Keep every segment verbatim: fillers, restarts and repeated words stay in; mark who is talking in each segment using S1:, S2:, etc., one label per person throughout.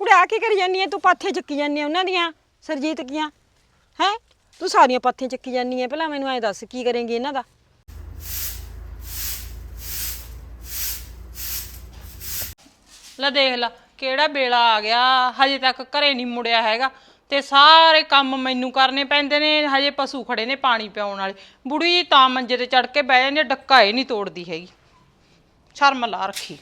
S1: ਕੁੜੇ ਆ ਕੀ ਕਰੀ ਜਾਨੀ ਐ ਤੂੰ? ਪਾਥੇ ਚੱਕੀ ਜਾਨੀ ਐ ਉਹਨਾਂ ਦੀਆਂ ਸਰਜੀਤ ਕੀਆਂ ਹੈ? ਤੂੰ ਸਾਰੀਆਂ ਪਾਥੀਆਂ ਚੱਕੀ ਜਾਨੀ ਐ। ਪਹਿਲਾਂ ਮੈਨੂੰ ਐ ਦੱਸ ਕੀ ਕਰੇਂਗੀ ਇਹਨਾਂ ਦਾ?
S2: ਲੈ ਦੇਖ ਲਾ ਕਿਹੜਾ ਵੇਲਾ ਆ ਗਿਆ, ਹਜੇ ਤੱਕ ਘਰੇ ਨਹੀਂ ਮੁੜਿਆ ਹੈਗਾ ਤੇ ਸਾਰੇ ਕੰਮ ਮੈਨੂੰ ਕਰਨੇ ਪੈਂਦੇ ਨੇ। ਹਜੇ ਪਸ਼ੂ ਖੜੇ ਨੇ ਪਾਣੀ ਪਿਆਉਣ ਵਾਲੇ। ਬੁੜੀ ਤਾਂ ਮੰਜੇ ਤੇ ਚੜ ਕੇ ਬਹਿ ਜਾਂਦੀ, ਡੱਕਾ ਇਹ ਨਹੀਂ ਤੋੜਦੀ ਹੈਗੀ। ਸ਼ਰਮ ਲਾ ਰੱਖੀ।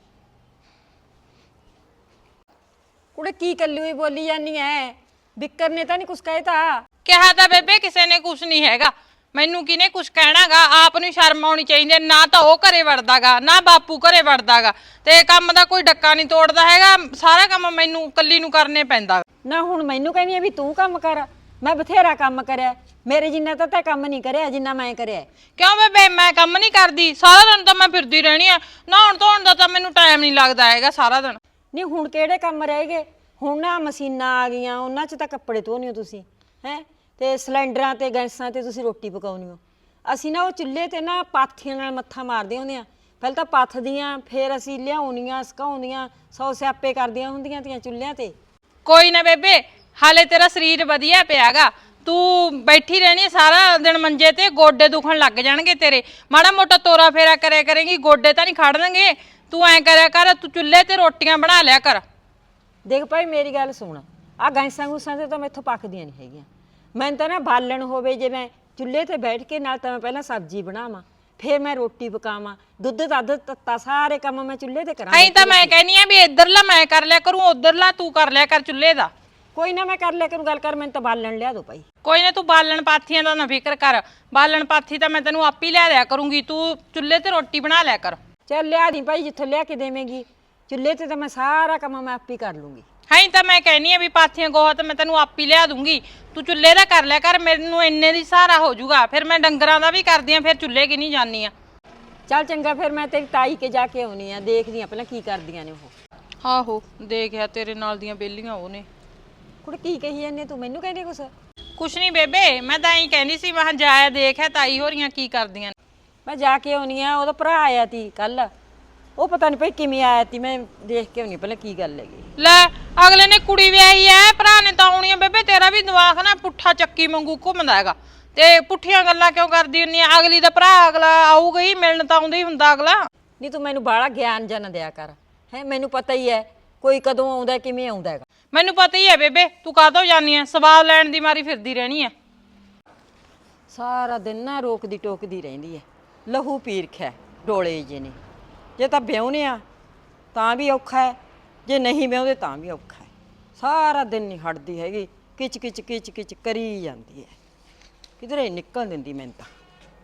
S1: ਕੁੜੇ ਕੀ ਕੱਲੀ ਹੋਈ ਬੋਲੀ ਜਾਨੀ ਐ? ਬਿੱਕਰ ਨੇ ਤਾਂ ਨਹੀਂ ਕੁਛ ਕਹਿਤਾ?
S2: ਕਿਹਾ ਤਾਂ ਬੇਬੇ ਕਿਸੇ ਨੇ ਕੁਛ ਨਹੀਂ ਹੈਗਾ, ਮੈਨੂੰ ਕਿਹਨੇ ਕੁਛ ਕਹਿਣਾਗਾ? ਆਪ ਨੂੰ ਸ਼ਰਮ ਆਉਣੀ ਚਾਹੀਦੀ। ਨਾ ਤਾਂ ਉਹ ਘਰੇ ਵੜਦਾਗਾ ਨਾ ਬਾਪੂ ਘਰੇ ਵੜਦਾਗਾ, ਤੇ ਕੰਮ ਦਾ ਕੋਈ ਡੱਕਾ ਨਹੀਂ ਤੋੜਦਾ ਹੈਗਾ। ਸਾਰਾ ਕੰਮ ਮੈਨੂੰ ਕੱਲੀ ਨੂੰ ਕਰਨੇ ਪੈਂਦਾ।
S1: ਨਾ ਹੁਣ ਮੈਨੂੰ ਕਹਿੰਦੀ ਐ ਵੀ ਤੂੰ ਕੰਮ ਕਰ। ਮੈਂ ਬਥੇਰਾ ਕੰਮ ਕਰਿਆ, ਮੇਰੇ ਜਿੰਨਾ ਤਾਂ ਤੈਂ ਕੰਮ ਨਹੀਂ ਕਰਿਆ ਜਿੰਨਾ ਮੈਂ ਕਰਿਆ।
S2: ਕਿਉਂ ਬੇਬੇ ਮੈਂ ਕੰਮ ਨਹੀਂ ਕਰਦੀ? ਸਾਰਾ ਦਿਨ ਤਾਂ ਮੈਂ ਫਿਰਦੀ ਰਹਿਣੀ ਆ। ਨਹਾਉਣ ਧੋਣ ਦਾ ਤਾਂ ਮੈਨੂੰ ਟਾਈਮ ਨਹੀਂ ਲੱਗਦਾ ਹੈਗਾ ਸਾਰਾ ਦਿਨ।
S1: ਨਹੀਂ ਹੁਣ ਕਿਹੜੇ ਕੰਮ ਰਹਿ ਗਏ? ਹੁਣ ਨਾ ਮਸ਼ੀਨਾਂ ਆ ਗਈਆਂ, ਉਹਨਾਂ 'ਚ ਤਾਂ ਕੱਪੜੇ ਧੋਣੇ ਹੋ ਤੁਸੀਂ ਹੈ, ਤੇ ਸਿਲੰਡਰਾਂ ਤੇ ਗੈਸਾਂ ਤੇ ਤੁਸੀਂ ਰੋਟੀ ਪਕਾਉਣੀ ਹੋ। ਅਸੀਂ ਨਾ ਉਹ ਚੁੱਲ੍ਹੇ ਤੇ ਨਾ ਪਾਥੀਆਂ ਨਾਲ ਮੱਥਾ ਮਾਰਦੇ ਹੁੰਦੇ ਆ। ਪਹਿਲਾਂ ਤਾਂ ਪੱਥਦੀਆਂ, ਫਿਰ ਅਸੀਂ ਲਿਆਉਣੀਆਂ ਸੁਕਾਉਂਦੀਆਂ, ਸੌ ਸਿਆਪੇ ਕਰਦੀਆਂ ਹੁੰਦੀਆਂ ਤੀਆਂ ਚੁੱਲ੍ਹਿਆਂ ਤੇ।
S2: ਕੋਈ ਨਾ ਬੇਬੇ, ਹਾਲੇ ਤੇਰਾ ਸਰੀਰ ਵਧੀਆ ਪਿਆਗਾ। ਤੂੰ ਬੈਠੀ ਰਹਿਣੀ ਸਾਰਾ ਦਿਨ ਮੰਜੇ ਤੇ, ਗੋਡੇ ਦੁਖਣ ਲੱਗ ਜਾਣਗੇ ਤੇਰੇ। ਮਾੜਾ ਮੋਟਾ ਤੋਰਾ ਫੇਰਾ ਕਰਿਆ ਕਰੇਂਗੀ, ਗੋਡੇ ਤਾਂ ਨਹੀਂ ਖੜਨਗੇ। ਤੂੰ ਐਂ ਕਰਿਆ ਕਰ, ਤੂੰ ਚੁੱਲ੍ਹੇ ਤੇ ਰੋਟੀਆਂ ਬਣਾ ਲਿਆ ਕਰ।
S1: ਦੇਖ ਭਾਈ ਮੇਰੀ ਗੱਲ ਸੁਣ, ਆਹ ਗੈਸਾਂ ਗੂਸਾਂ ਤੇ ਤਾਂ ਮੈਥੋਂ ਪੱਕਦੀਆਂ ਨਹੀਂ ਹੈਗੀਆਂ। ਮੈਨੂੰ ਤਾਂ ਨਾ ਬਾਲਣ ਹੋਵੇ, ਜੇ ਮੈਂ ਚੁੱਲ੍ਹੇ ਤੇ ਬੈਠ ਕੇ ਨਾਲ ਤਾਂ ਮੈਂ ਪਹਿਲਾਂ ਸਬਜ਼ੀ ਬਣਾਵਾਂ, ਫਿਰ ਮੈਂ ਰੋਟੀ ਪਕਾਵਾਂ, ਦੁੱਧ ਦੱਧ ਤੱਤਾ ਸਾਰੇ ਕੰਮ ਮੈਂ ਚੁੱਲ੍ਹੇ ਤੇ ਕਰਾਂ।
S2: ਐਂ ਤਾਂ ਮੈਂ ਕਹਿੰਦੀ ਆ ਵੀ ਇੱਧਰਲਾ ਮੈਂ ਕਰ ਲਿਆ ਕਰੂੰ, ਉੱਧਰਲਾ ਤੂੰ ਕਰ ਲਿਆ ਕਰ ਚੁੱਲ੍ਹੇ ਦਾ।
S1: ਕੋਈ ਨਾ ਮੈਂ ਕਰ ਲਿਆ ਕਰੂੰ। ਗੱਲ ਕਰ, ਮੈਨੂੰ ਤਾਂ ਬਾਲਣ ਲਿਆ ਦੋ ਭਾਈ।
S2: ਕੋਈ ਨਾ ਤੂੰ ਬਾਲਣ ਪਾਥੀਆਂ ਦਾ ਨਾ ਫਿਕਰ ਕਰ, ਬਾਲਣ ਪਾਥੀ ਤਾਂ ਮੈਂ ਤੈਨੂੰ ਆਪੀ ਲਿਆ ਦਿਆ ਕਰੂੰਗੀ। ਤੂੰ ਚੁੱਲ੍ਹੇ ਤੇ ਰੋਟੀ ਬਣਾ ਲਿਆ ਕਰ।
S1: ਚੱਲ ਲਿਆ ਦੀ ਭਾਈ, ਜਿੱਥੋਂ ਲਿਆ ਕੇ ਦੇਵੇਂਗੀ। ਚੁੱਲ੍ਹੇ ਤੇ ਤਾਂ ਮੈਂ ਸਾਰਾ ਕੰਮ ਮੈਂ ਆਪੀ ਕਰ ਲੂੰਗੀ।
S2: ਹਾਂ ਤਾਂ ਮੈਂ ਕਹਿੰਦੀ ਆ ਵੀ ਪਾਥੀਆਂ ਗੋਹਾ ਤਾਂ ਮੈਂ ਤੈਨੂੰ ਆਪੀ ਲਿਆ ਦੂੰਗੀ, ਤੂੰ ਚੁੱਲ੍ਹੇ ਦਾ ਕਰ ਲਿਆ ਕਰ। ਮੈਨੂੰ ਇੰਨੇ ਦੀ ਸਹਾਰਾ ਹੋ ਜਾਊਗਾ, ਫਿਰ ਮੈਂ ਡੰਗਰਾਂ ਦਾ ਵੀ ਕਰਦੀ ਆ, ਫਿਰ ਚੁੱਲ੍ਹੇ ਕਿ ਨਹੀਂ ਜਾਂਦੀ ਆ।
S1: ਚੱਲ ਚੰਗਾ, ਫਿਰ ਮੈਂ ਤੇਰੀ ਤਾਈ ਕੇ ਜਾ ਕੇ ਆਉਣੀ ਆ, ਦੇਖਦੀ ਆ ਪਹਿਲਾਂ ਕੀ ਕਰਦੀਆਂ ਨੇ ਉਹ।
S2: ਆਹੋ ਦੇਖਿਆ ਤੇਰੇ ਨਾਲ ਦੀਆਂ ਬੇਲੀਆਂ ਉਹ ਨੇ।
S1: ਕੁੜੇ ਕੀ ਕਹੀ ਜਾਂਦੀ ਤੂੰ? ਮੈਨੂੰ ਕਹਿੰਦੀ ਕੁਛ?
S2: ਕੁਛ ਨਹੀਂ ਬੇਬੇ, ਮੈਂ ਤਾਂ ਐਂ ਕਹਿੰਦੀ ਸੀ, ਮੈਂ ਜਾਇਆ ਦੇਖਿਆ ਤਾਈ ਹੋਰੀਆਂ ਕੀ ਕਰਦੀਆਂ ਨੇ।
S1: ਮੈਂ ਜਾ ਕੇ ਆਉਣੀ ਆ। ਉਹਦਾ ਭਰਾ ਆਇਆ ਤੀ ਕੱਲ, ਉਹ ਪਤਾ ਨਹੀਂ ਭਾਈ ਕਿਵੇਂ ਆਇਆ ਤੀ। ਮੈਂ ਦੇਖ ਕੇ ਆਉਣੀ ਪਹਿਲਾਂ ਕੀ ਗੱਲ ਹੈਗੀ।
S2: ਲੈ ਅਗਲੇ ਨੇ ਕੁੜੀ ਵਿਆਹੀ ਐ, ਭਰਾ ਨੇ ਤਾਂ ਆਉਣੀ ਆ। ਬੇਬੇ ਤੇਰਾ ਵੀ ਦਿਮਾਗ ਨਾ ਪੁੱਠਾ ਚੱਕੀ ਵਾਂਗੂ ਘੁੰਮਦਾ ਹੈਗਾ, ਤੇ ਪੁੱਠੀਆਂ ਗੱਲਾਂ ਕਿਉਂ ਕਰਦੀ ਹੁੰਨੀ ਆ? ਅਗਲੀ ਦਾ ਭਰਾ ਅਗਲਾ ਆਊਗਾ ਹੀ, ਮਿਲਣ ਤਾਂ ਆਉਂਦਾ ਹੀ ਹੁੰਦਾ ਅਗਲਾ।
S1: ਨਹੀਂ ਤੂੰ ਮੈਨੂੰ ਬਾਹਲਾ ਗਿਆਨ ਜਾਂ ਨਾ ਦਿਆ ਕਰ ਹੈ। ਮੈਨੂੰ ਪਤਾ ਹੀ ਹੈ ਕੋਈ ਕਦੋਂ ਆਉਂਦਾ ਕਿਵੇਂ ਆਉਂਦਾ ਹੈਗਾ।
S2: ਮੈਨੂੰ ਪਤਾ ਹੀ ਹੈ ਬੇਬੇ, ਤੂੰ ਕਾਹਤੋਂ ਜਾਨੀ ਐ? ਸਵਾਦ ਲੈਣ ਦੀ ਮਾਰੀ ਫਿਰਦੀ ਰਹਿਣੀ ਐ।
S1: ਸਾਰਾ ਦਿਨ ਨਾ ਰੋਕਦੀ ਟੋਕਦੀ ਰਹਿੰਦੀ ਹੈ, ਲਹੂ ਪੀ ਰਖਿਆ ਡੋਲੇ ਜੇ ਨੇ। ਜੇ ਤਾਂ ਵਿਆਹੁਨੇ ਆ ਤਾਂ ਵੀ ਔਖਾ ਹੈ, ਜੇ ਨਹੀਂ ਵਿਆਹੁੰਦੇ ਤਾਂ ਵੀ ਔਖਾ ਹੈ। ਸਾਰਾ ਦਿਨ ਨਹੀਂ ਹਟਦੀ ਹੈਗੀ, ਕਿਚ ਕਿਚ ਕਿਚ ਕਿਚ ਕਰੀ ਜਾਂਦੀ ਹੈ, ਕਿਧਰੇ ਨਿਕਲ ਦਿੰਦੀ ਮੈਨੂੰ ਤਾਂ।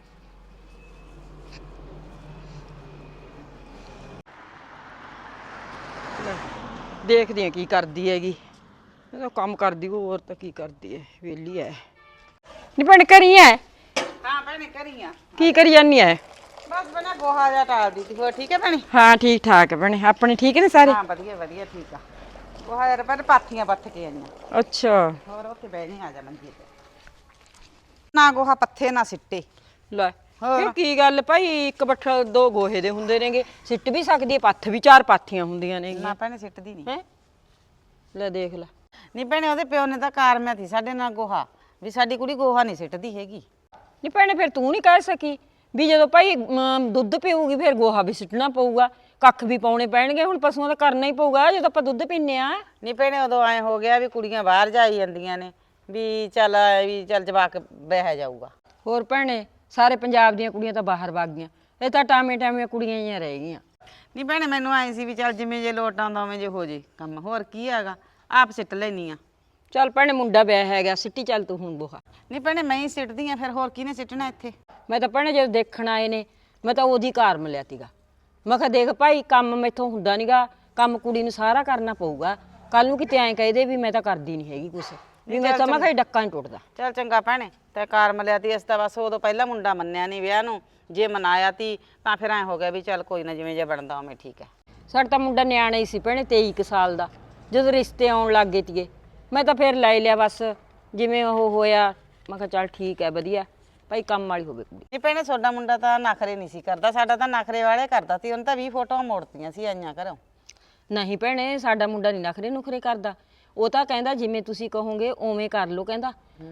S1: ਦੇਖਦੀ ਆ ਕੀ ਕਰਦੀ ਹੈਗੀ। ਇਹ ਤਾਂ ਕੰਮ ਕਰਦੀ, ਹੋਰ ਤਾਂ ਕੀ ਕਰਦੀ ਹੈ, ਵਿਹਲੀ ਹੈ। ਨੀ ਭੈਣ ਕਰੀ ਐ?
S3: ਹਾਂ ਭੈਣੇ ਕਰੀ ਆ।
S1: ਕੀ ਕਰੀ ਜਾਨੀ ਐ?
S3: ਬਸ ਬਣਾ ਗੋਹਾ ਜਿਹਾ ਟਾਲਦੀ ਸੀ। ਹੋਰ ਠੀਕ ਹੈ ਭੈਣੇ?
S1: ਹਾਂ ਠੀਕ ਠਾਕ ਭੈਣੇ, ਆਪਣੇ ਠੀਕ ਨੇ ਸਾਰੇ?
S3: ਹਾਂ ਵਧੀਆ ਵਧੀਆ ਠੀਕ ਆ। ਗੋਹਾ ਯਾਰ ਪਰ ਪਾਥੀਆਂ ਪੱਥ ਕੇ ਆਈਆਂ।
S1: ਅੱਛਾ।
S3: ਹੋਰ ਉੱਥੇ ਬਹਿ ਨਹੀਂ ਆ ਜਾ ਮੰਜੀ ਤੇ। ਨਾ ਗੋਹਾ ਪੱਥੇ ਨਾ ਸਿੱਟੇ।
S1: ਲੈ ਕਿਉਂ ਕੀ ਗੱਲ ਭਾਈ? ਇੱਕ ਬੱਠਲ ਦੋ ਗੋਹੇ ਦੇ ਹੁੰਦੇ ਨੇਗੇ, ਸਿੱਟ ਵੀ ਸਕਦੀ ਹੈ। ਪੱਥ ਵੀ ਚਾਰ ਪਾਥੀਆਂ ਹੁੰਦੀਆਂ ਨੇ।
S3: ਨਾ ਭੈਣੇ ਸਿੱਟਦੀ ਨਹੀਂ
S1: ਹੈ। ਲੈ ਦੇਖ ਲੈ।
S3: ਨਹੀਂ ਭੈਣੇ ਉਹਦੇ ਪਿਓ ਨੇ ਤਾਂ ਕਾਰਮਿਆ ਸੀ ਸਾਡੇ ਨਾਲ ਗੋਹਾ, ਵੀ ਸਾਡੀ ਕੁੜੀ ਗੋਹਾ ਨਹੀਂ ਸਿੱਟਦੀ ਹੈਗੀ।
S1: ਨਹੀਂ ਭੈਣੇ ਫਿਰ ਤੂੰ ਨਹੀਂ ਕਹਿ ਸਕੀ ਵੀ ਜਦੋਂ ਭਾਈ ਦੁੱਧ ਪੀਊਗੀ ਫਿਰ ਗੋਹਾ ਵੀ ਸਿੱਟਣਾ ਪਊਗਾ, ਕੱਖ ਵੀ ਪਾਉਣੇ ਪੈਣਗੇ। ਹੁਣ ਪਸ਼ੂਆਂ ਦਾ ਕਰਨਾ ਹੀ ਪਊਗਾ ਜਦੋਂ ਆਪਾਂ ਦੁੱਧ ਪੀਂਦੇ ਆ।
S3: ਨਹੀਂ ਭੈਣੇ ਉਦੋਂ ਐਂ ਹੋ ਗਿਆ ਵੀ ਕੁੜੀਆਂ ਬਾਹਰ ਜਾਈ ਜਾਂਦੀਆਂ ਨੇ, ਵੀ ਚੱਲ ਵੀ ਚੱਲ ਜਵਾਕ ਬਹਿ ਜਾਊਗਾ।
S1: ਹੋਰ ਭੈਣੇ ਸਾਰੇ ਪੰਜਾਬ ਦੀਆਂ ਕੁੜੀਆਂ ਤਾਂ ਬਾਹਰ ਵਗ ਗਈਆਂ, ਇਹ ਤਾਂ ਟਾਵੇਂ ਟਾਵੇਂ ਕੁੜੀਆਂ ਹੀ ਰਹਿ ਗਈਆਂ।
S3: ਨਹੀਂ ਭੈਣੇ ਮੈਨੂੰ ਐਂ ਸੀ ਵੀ ਚੱਲ ਜਿਵੇਂ ਜੇ ਲੋਟ ਆਉਂਦਾ ਉਵੇਂ ਜੇ ਹੋ ਜੇ ਕੰਮ, ਹੋਰ ਕੀ ਹੈਗਾ, ਆਪ ਸਿੱਟ ਲੈਣੀ ਆ।
S1: ਚੱਲ ਭੈਣੇ ਮੁੰਡਾ ਵਿਆਹ ਹੈਗਾ, ਸਿੱਟੀ ਚੱਲ ਤੂੰ ਹੁਣ ਗੋਹਾ।
S3: ਨਹੀਂ ਭੈਣੇ ਮੈਂ ਹੀ ਸਿੱਟਦੀ ਆ, ਫਿਰ ਹੋਰ ਕਿਹਨੇ ਸਿੱਟਣਾ ਇੱਥੇ?
S1: ਮੈਂ ਤਾਂ ਭੈਣੇ ਜਦੋਂ ਦੇਖਣ ਆਏ ਨੇ ਮੈਂ ਤਾਂ ਉਹਦੀ ਕਾਰ ਮਿਲਿਆ ਤੀਗਾ। ਮੈਂ ਕਿਹਾ ਦੇਖ ਭਾਈ ਕੰਮ ਮੈਥੋਂ ਹੁੰਦਾ ਨੀਗਾ, ਕੰਮ ਕੁੜੀ ਨੂੰ ਸਾਰਾ ਕਰਨਾ ਪਊਗਾ। ਕੱਲ ਨੂੰ ਕਿਤੇ ਐਂ ਕਹਦੇ ਵੀ ਮੈਂ ਤਾਂ ਕਰਦੀ ਨਹੀਂ ਹੈਗੀ ਕੁਛ, ਵੀ ਮੈਂ ਤਾਂ ਮੈਂ ਕਿਹਾ ਡੱਕਾ ਨਹੀਂ ਟੁੱਟਦਾ।
S3: ਚੱਲ ਚੰਗਾ ਭੈਣੇ ਤੇ ਕਾਰ ਮਿਲਿਆ ਤੀ, ਇਸ ਤਾਂ ਬਸ ਉਦੋਂ ਪਹਿਲਾਂ ਮੁੰਡਾ ਮੰਨਿਆ ਨਹੀਂ ਵਿਆਹ ਨੂੰ, ਜੇ ਮਨਾਇਆ ਤੀ ਤਾਂ ਫਿਰ ਐਂ ਹੋ ਗਿਆ ਵੀ ਚੱਲ ਕੋਈ ਨਾ ਜਿਵੇਂ ਜੇ ਬਣਦਾ ਉਵੇਂ ਠੀਕ ਹੈ।
S1: ਸਾਡਾ ਤਾਂ ਮੁੰਡਾ ਨਿਆਣਾ ਹੀ ਸੀ ਭੈਣੇ, ਤੇਈ ਕੁ ਸਾਲ ਦਾ, ਜਦੋਂ ਰਿਸ਼ਤੇ ਆਉਣ ਲੱਗ ਗਏ ਤੀਗੇ ਮੈਂ ਤਾਂ ਫਿਰ ਲੈ ਲਿਆ ਬਸ ਜਿਵੇਂ ਉਹ ਹੋਇਆ। ਮੈਂ ਕਿਹਾ ਚੱਲ ਠੀਕ ਹੈ ਵਧੀਆ ਭਾਈ, ਕੰਮ ਵਾਲੀ ਹੋਵੇ ਕੁੜੀ।
S3: ਨਹੀਂ ਭੈਣੇ ਤੁਹਾਡਾ ਮੁੰਡਾ ਤਾਂ ਨਖਰੇ ਨਹੀਂ ਸੀ ਕਰਦਾ, ਸਾਡਾ ਤਾਂ ਨਖਰੇ ਵਾਲੇ ਕਰਦਾ ਸੀ। ਉਹਨੇ ਤਾਂ ਵੀਹ ਫੋਟੋਆਂ ਮੋੜਤੀਆਂ ਸੀ ਆਈਆਂ ਘਰੋਂ।
S1: ਨਹੀਂ ਭੈਣੇ ਸਾਡਾ ਮੁੰਡਾ ਨਹੀਂ ਨਖਰੇ ਨੁਖਰੇ ਕਰਦਾ। ਉਹ ਤਾਂ ਕਹਿੰਦਾ ਜਿਵੇਂ ਤੁਸੀਂ ਕਹੋਗੇ ਉਵੇਂ ਕਰ ਲਓ ਕਹਿੰਦਾ।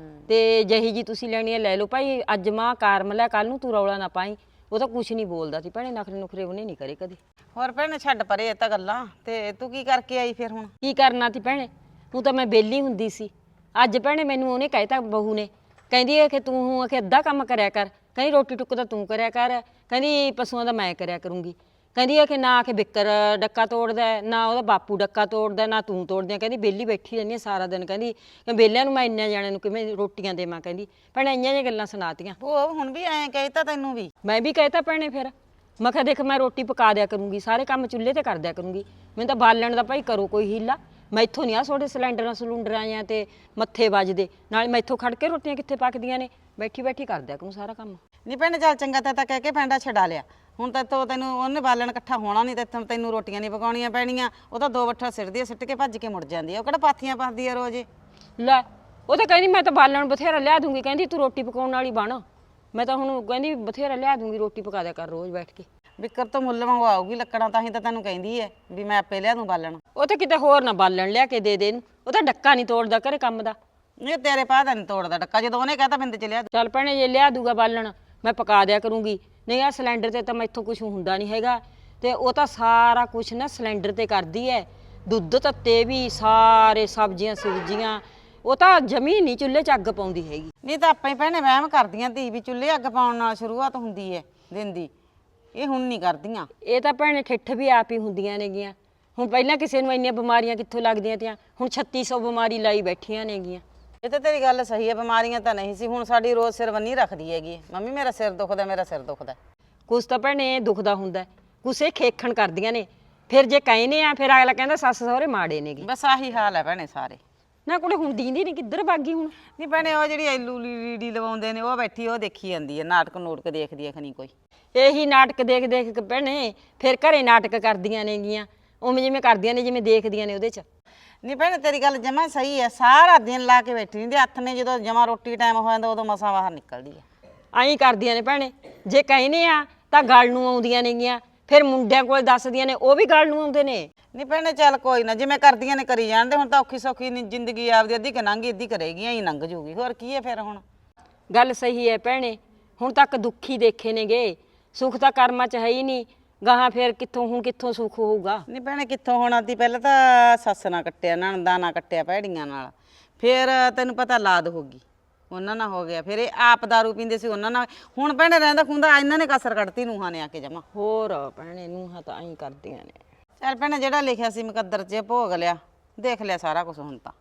S1: ਤੇ ਜਹੀ ਜੀ ਤੁਸੀਂ ਲੈਣੀ ਹੈ ਲੈ ਲਓ ਭਾਈ, ਅੱਜ ਮਾਂ ਕਾਰਮ ਲੈ, ਕੱਲ ਨੂੰ ਤੂੰ ਰੌਲਾ ਨਾ ਪਾਈ। ਉਹ ਤਾਂ ਕੁਛ ਨਹੀਂ ਬੋਲਦਾ ਸੀ ਭੈਣੇ, ਨਖਰੇ ਨੁਖਰੇ ਉਹਨੇ ਨਹੀਂ ਕਰੇ ਕਦੇ।
S3: ਹੋਰ ਭੈਣੇ ਛੱਡ ਪਰੇ ਇਹ ਤਾਂ ਗੱਲਾਂ, ਤੇ ਤੂੰ ਕੀ ਕਰਕੇ ਆਈ ਫਿਰ ਹੁਣ?
S1: ਕੀ ਕਰਨਾ ਸੀ ਭੈਣੇ, ਤੂੰ ਤਾਂ ਮੈਂ ਵਿਹਲੀ ਹੁੰਦੀ ਸੀ। ਅੱਜ ਭੈਣੇ ਮੈਨੂੰ ਉਹਨੇ ਕਹਿਤਾ ਬਹੂ ਨੇ, ਕਹਿੰਦੀ ਹੈ ਕਿ ਤੂੰ ਆਖੇ ਅੱਧਾ ਕੰਮ ਕਰਿਆ ਕਰ, ਕਹਿੰਦੀ ਰੋਟੀ ਟੁੱਕ ਤਾਂ ਤੂੰ ਕਰਿਆ ਕਰ, ਕਹਿੰਦੀ ਪਸ਼ੂਆਂ ਦਾ ਮੈਂ ਕਰਿਆ ਕਰੂੰਗੀ, ਕਹਿੰਦੀ ਹੈ ਕਿ ਨਾ ਕਿ ਬਿੱਕਰ ਡੱਕਾ ਤੋੜਦਾ ਨਾ ਉਹਦਾ ਬਾਪੂ ਡੱਕਾ ਤੋੜਦਾ ਨਾ ਤੂੰ ਤੋੜਦੀ, ਕਹਿੰਦੀ ਵਿਹਲੀ ਬੈਠੀ ਰਹਿੰਦੀ ਸਾਰਾ ਦਿਨ, ਕਹਿੰਦੀ ਵਿਹਲਿਆਂ ਨੂੰ ਮੈਂ ਇੰਨਿਆਂ ਜਾਣਿਆਂ ਨੂੰ ਕਿਵੇਂ ਰੋਟੀਆਂ ਦੇਵਾਂ, ਕਹਿੰਦੀ ਭੈਣੇ ਇੰਨੀਆਂ ਜਿਹੀਆਂ ਗੱਲਾਂ ਸੁਣਾਤੀਆਂ।
S3: ਉਹ ਹੁਣ ਵੀ ਐਂ ਕਹਿਤਾ ਤੈਨੂੰ ਵੀ?
S1: ਮੈਂ ਵੀ ਕਹਿਤਾ ਭੈਣੇ ਫਿਰ, ਮੈਂ ਕਿਹਾ ਦੇਖ ਮੈਂ ਰੋਟੀ ਪਕਾ ਦਿਆ ਕਰੂੰਗੀ, ਸਾਰੇ ਕੰਮ ਚੁੱਲ੍ਹੇ ਤੇ ਕਰ ਦਿਆ ਕਰੂੰਗੀ, ਮੈਨੂੰ ਤਾਂ ਬਾਲਣ ਦਾ ਭਾਈ ਕਰੋ ਕੋਈ ਹੀਲਾ, ਮੈਥੋਂ ਨਹੀਂ ਆ ਤੁਹਾਡੇ ਸਿਲੰਡਰਾਂ ਸਿਲੰਡਰਾਂ ਜਾਂ ਤੇ ਮੱਥੇ ਵੱਜਦੇ, ਨਾਲ ਮੈਥੋਂ ਖੜ ਕੇ ਰੋਟੀਆਂ ਕਿੱਥੇ ਪੱਕਦੀਆਂ ਨੇ, ਬੈਠੀ ਬੈਠੀ ਕਰ ਦਿਆ ਕਰੂੰ ਸਾਰਾ ਕੰਮ।
S3: ਨਹੀਂ ਭੈਣੇ ਚੱਲ ਚੰਗਾ ਤਾਂ ਤਾਂ ਕਹਿ ਕੇ ਪੈਂਡਾ ਛਡਾ ਲਿਆ, ਹੁਣ ਤਾਂ ਤੋ ਤੈਨੂੰ ਉਹਨੇ ਬਾਲਣ ਇਕੱਠਾ ਹੋਣਾ ਨਹੀਂ, ਤੇ ਤੈਨੂੰ ਰੋਟੀਆਂ ਨਹੀਂ ਪਕਾਉਣੀਆਂ ਪੈਣੀਆਂ। ਉਹ ਤਾਂ ਦੋ ਵੱਠਾ ਸਿੱਟਦੀ ਆ, ਸਿੱਟ ਕੇ ਭੱਜ ਕੇ ਮੁੜ ਜਾਂਦੀ ਆ, ਉਹ ਕਿਹੜਾ ਪਾਥੀਆਂ ਪਾਉਂਦੀ ਆ ਰੋਜ਼।
S1: ਲੈ ਉਹ ਤਾਂ ਕਹਿੰਦੀ ਮੈਂ ਤਾਂ ਬਾਲਣ ਬਥੇਰਾ ਲਿਆ ਦੂੰਗੀ, ਕਹਿੰਦੀ ਤੂੰ ਰੋਟੀ ਪਕਾਉਣ ਵਾਲੀ ਬਣ, ਮੈਂ ਤਾਂ ਹੁਣ ਕਹਿੰਦੀ ਬਥੇਰਾ ਲਿਆ ਦੂੰਗੀ, ਰੋਟੀ ਪਕਾ ਦਿਆ ਕਰ ਰੋਜ਼ ਬੈਠ ਕੇ।
S3: ਬਿੱਕਰ ਤੋਂ ਮੁੱਲ ਮੰਗਵਾਉਗੀ ਲੱਕੜਾਂ, ਤਾਂ ਹੀ ਤਾਂ ਤੈਨੂੰ ਕਹਿੰਦੀ ਐ ਵੀ ਮੈਂ ਆਪੇ ਲਿਆ ਦੂੰ ਬਾਲਣ।
S1: ਉਹ ਤਾਂ ਕਿਤੇ ਹੋਰ ਨਾ ਬਾਲਣ ਲਿਆ ਕੇ ਦੇ ਦੇ ਇਹਨੂੰ, ਉਹ ਤਾਂ ਡੱਕਾ ਨਹੀਂ ਤੋੜਦਾ ਘਰੇ ਕੰਮ ਦਾ।
S3: ਇਹ ਤੇਰੇ ਪਾਹ ਦਾ ਨਹੀਂ ਤੋੜਦਾ ਡੱਕਾ, ਜਦੋਂ ਉਹਨੇ ਕਹਤਾ ਬਿੰਦ ਚ ਲਿਆ ਦੂੰ।
S1: ਚੱਲ ਭੈਣੇ ਜੇ ਲਿਆ ਦੂਗਾ ਬਾਲਣ ਮੈਂ ਪਕਾ ਦਿਆ ਕਰੂੰਗੀ, ਨਹੀਂ ਆ ਸਿਲੰਡਰ ਤੇ ਤਾਂ ਮੈਥੋਂ ਕੁਝ ਹੁੰਦਾ ਨਹੀਂ ਹੈਗਾ, ਤੇ ਉਹ ਤਾਂ ਸਾਰਾ ਕੁਝ ਨਾ ਸਿਲੰਡਰ ਤੇ ਕਰਦੀ ਐ, ਦੁੱਧ ਤੱਤੇ ਵੀ ਸਾਰੇ ਸਬਜ਼ੀਆਂ ਸੁਬਜ਼ੀਆਂ, ਉਹ ਤਾਂ ਜਮੀ ਨਹੀਂ ਚੁੱਲ੍ਹੇ 'ਚ ਅੱਗ ਪਾਉਂਦੀ ਹੈਗੀ।
S3: ਨਹੀਂ ਤਾਂ ਆਪਾਂ ਹੀ ਭੈਣੇ ਵਹਿਮ ਕਰਦੀਆਂ ਧੀ ਵੀ ਚੁੱਲ੍ਹੇ ਅੱਗ ਪਾਉਣ ਨਾਲ ਸ਼ੁਰੂਆਤ ਹੁੰਦੀ ਐ ਦਿਨ ਦੀ, ਇਹ ਹੁਣ ਨਹੀਂ ਕਰਦੀਆਂ।
S1: ਇਹ ਤਾਂ ਭੈਣੇ ਠਿੱਠ ਵੀ ਆਪ ਹੀ ਹੁੰਦੀਆਂ ਨੇਗੀਆਂ, ਹੁਣ ਪਹਿਲਾਂ ਕਿਸੇ ਨੂੰ ਇੰਨੀਆਂ ਬਿਮਾਰੀਆਂ ਕਿੱਥੋਂ ਲੱਗਦੀਆਂ ਤੀਆਂ, ਹੁਣ ਛੱਤੀ ਸੌ ਬਿਮਾਰੀ ਲਾਈ ਬੈਠੀਆਂ ਨੇਗੀਆਂ।
S3: ਇਹ ਤਾਂ ਤੇਰੀ ਗੱਲ ਸਹੀ ਹੈ, ਬਿਮਾਰੀਆਂ ਤਾਂ ਨਹੀਂ ਸੀ, ਹੁਣ ਸਾਡੀ ਰੋਜ਼ ਸਿਰ ਬੰਨੀ ਰੱਖਦੀ ਹੈਗੀ, ਮੰਮੀ ਮੇਰਾ ਸਿਰ ਦੁਖਦਾ ਮੇਰਾ ਸਿਰ ਦੁਖਦਾ।
S1: ਕੁਛ ਤਾਂ ਭੈਣੇ ਦੁਖਦਾ ਹੁੰਦਾ, ਕੁਛ ਇਹ ਖੇਖਣ ਕਰਦੀਆਂ ਨੇ, ਫਿਰ ਜੇ ਕਹਿੰਦੇ ਆ ਫਿਰ ਅਗਲਾ ਕਹਿੰਦਾ ਸੱਸ ਸਹੁਰੇ ਮਾੜੇ ਨੇਗੇ।
S3: ਬਸ ਆਹੀ ਹਾਲ ਹੈ ਭੈਣੇ ਸਾਰੇ।
S1: ਨਾ ਕੁੜੇ ਹੁਣ ਦੀਂਦੀ ਨਹੀਂ ਕਿੱਧਰ ਭਾਗੀ ਹੁਣ?
S3: ਨਹੀਂ ਭੈਣੇ ਉਹ ਜਿਹੜੀ ਐਲੂ ਲੀੜੀ ਲਵਾਉਂਦੇ ਨੇ ਉਹ ਬੈਠੀ ਉਹ ਦੇਖੀ ਜਾਂਦੀ ਹੈ, ਨਾਟਕ ਨੂਟਕ ਦੇਖਦੀ ਹੈ ਖਣੀ ਕੋਈ।
S1: ਇਹੀ ਨਾਟਕ ਦੇਖ ਦੇਖ ਕੇ ਭੈਣੇ ਫਿਰ ਘਰੇ ਨਾਟਕ ਕਰਦੀਆਂ ਨੇਗੀਆਂ, ਉਵੇਂ ਜਿਵੇਂ ਕਰਦੀਆਂ ਨੇ ਜਿਵੇਂ ਦੇਖਦੀਆਂ ਨੇ ਉਹਦੇ 'ਚ।
S3: ਨਹੀਂ ਭੈਣੇ ਤੇਰੀ ਗੱਲ ਜਮਾ ਸਹੀ ਹੈ, ਸਾਰਾ ਦਿਨ ਲਾ ਕੇ ਬੈਠੀ ਰਹਿੰਦੀ, ਹੱਥ ਨੇ ਜਦੋਂ ਜਮਾ ਰੋਟੀ ਟਾਈਮ ਹੋ ਜਾਂਦਾ ਉਦੋਂ ਮਸਾਂ ਬਾਹਰ ਨਿਕਲਦੀ ਹੈ।
S1: ਆਈ ਕਰਦੀਆਂ ਨੇ ਭੈਣੇ, ਜੇ ਕਹਿੰਦੇ ਆ ਤਾਂ ਗੱਲ ਨੂੰ ਆਉਂਦੀਆਂ ਨੇਗੀਆਂ, ਫਿਰ ਮੁੰਡਿਆਂ ਕੋਲ ਦੱਸਦੀਆਂ ਨੇ ਉਹ ਵੀ ਗੱਲ ਨੂੰ ਆਉਂਦੇ ਨੇ।
S3: ਨਹੀਂ ਭੈਣੇ ਚੱਲ ਕੋਈ ਨਾ, ਜਿਵੇਂ ਕਰਦੀਆਂ ਨੇ ਕਰੀ ਜਾਣਦੇ, ਹੁਣ ਤਾਂ ਔਖੀ ਸੌਖੀ ਨੀ ਜ਼ਿੰਦਗੀ ਆਪਦੀ ਅੱਧੀ ਕਿ ਲੰਘੀ ਅੱਧੀ ਕਰੇਗੀ, ਐਂ ਲੰਘ ਜੂਗੀ, ਹੋਰ ਕੀ ਹੈ ਫਿਰ ਹੁਣ।
S1: ਗੱਲ ਸਹੀ ਹੈ ਭੈਣੇ, ਹੁਣ ਤੱਕ ਦੁੱਖੀ ਦੇਖੇ ਨੇਗੇ, ਸੁੱਖ ਤਾਂ ਕਰਮਾਂ 'ਚ ਹੈ ਹੀ ਨਹੀਂ, ਗਾਹਾਂ ਫਿਰ ਕਿੱਥੋਂ ਹੁਣ ਕਿੱਥੋਂ ਸੁੱਖ ਹੋਊਗਾ।
S3: ਨਹੀਂ ਭੈਣੇ ਕਿੱਥੋਂ ਹੋਣਾ ਤੀ, ਪਹਿਲਾਂ ਤਾਂ ਸੱਸ ਨਾਲ ਕੱਟਿਆ, ਨਣਦਾਂ ਨਾਲ ਕੱਟਿਆ ਭੈੜੀਆਂ ਨਾਲ, ਫਿਰ ਤੈਨੂੰ ਪਤਾ ਲਾਦ ਹੋ ਗਈ ਉਹਨਾਂ ਨਾਲ ਹੋ ਗਿਆ, ਫਿਰ ਇਹ ਆਪ ਦਾਰੂ ਪੀਂਦੇ ਸੀ ਉਹਨਾਂ ਨਾਲ, ਹੁਣ ਭੈਣੇ ਰਹਿੰਦਾ ਖੁੰਦਾ ਇਹਨਾਂ ਨੇ ਕਸਰ ਕੱਢਤੀ ਨੂੰਹਾਂ ਨੇ ਆ ਕੇ ਜਮਾ।
S1: ਹੋਰ ਭੈਣੇ ਨੂੰਹਾਂ ਤਾਂ ਐਂ ਕਰਦੀਆਂ ਨੇ।
S3: ਚੱਲ ਭੈਣੇ ਜਿਹੜਾ ਲਿਖਿਆ ਸੀ ਮੁਕੱਦਰ 'ਚ ਭੋਗ ਲਿਆ, ਦੇਖ ਲਿਆ ਸਾਰਾ ਕੁਝ ਹੁਣ ਤਾਂ।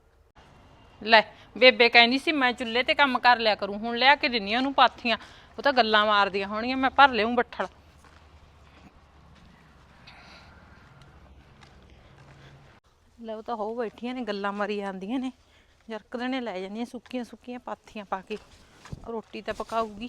S2: ਲੈ ਬੇਬੇ ਕਹਿੰਦੀ ਸੀ ਮੈਂ ਚੁੱਲ੍ਹੇ ਤੇ ਕੰਮ ਕਰ ਲਿਆ ਕਰੂੰ, ਹੁਣ ਲਿਆ ਕੇ ਦਿੰਨੀ ਉਹਨੂੰ ਪਾਥੀਆਂ, ਉਹ ਤਾਂ ਗੱਲਾਂ ਮਾਰਦੀਆਂ ਹੋਣੀਆਂ, ਮੈਂ ਭਰ ਲਿਆਉਂ ਬੱਠਲ। ਲੈ ਉਹ ਤਾਂ ਹੋ ਬੈਠੀਆਂ ਨੇ ਗੱਲਾਂ ਮਾਰੀ ਜਾਂਦੀਆਂ ਨੇ, ਜਰਕ ਦੇਣੇ ਲੈ ਜਾਂਦੀਆਂ ਸੁੱਕੀਆਂ ਸੁੱਕੀਆਂ ਪਾਥੀਆਂ ਪਾ ਕੇ, ਰੋਟੀ ਤਾਂ ਪਕਾਊਗੀ।